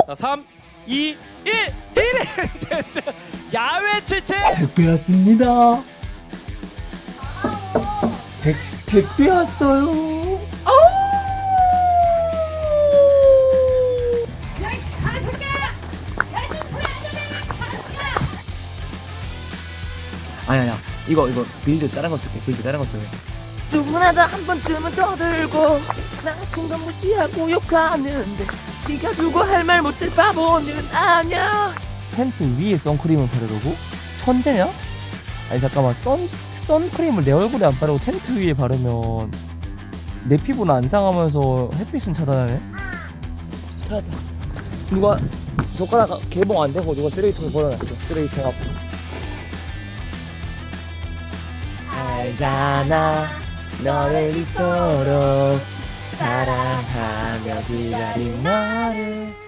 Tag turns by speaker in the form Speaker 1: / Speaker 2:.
Speaker 1: 자, 3, 2, 1, 1위 야외 최채
Speaker 2: 택배 왔습니다. 택배 왔어요.
Speaker 3: 아니야 이거 빌드 다른 거 쓸게. 빌드 다른 거 쓸게.
Speaker 2: 누구나 다 한 번쯤은 떠들고 나 같은 건 무시하고 욕하는데 네가 주고 할 말 못할 바보는 아냐. 텐트 위에 선크림을 바르라고? 천재냐? 아니 잠깐만, 선크림을 내 얼굴에 안 바르고 텐트 위에 바르면 내 피부는 안 상하면서 햇빛은 차단하네? 찾았다. 누가 젓가락 개봉 안 되고 누가 쓰레기통에 버려놨어. 쓰레기통 앞에. 알잖아 너를 이토록 사랑하며 기다린 너를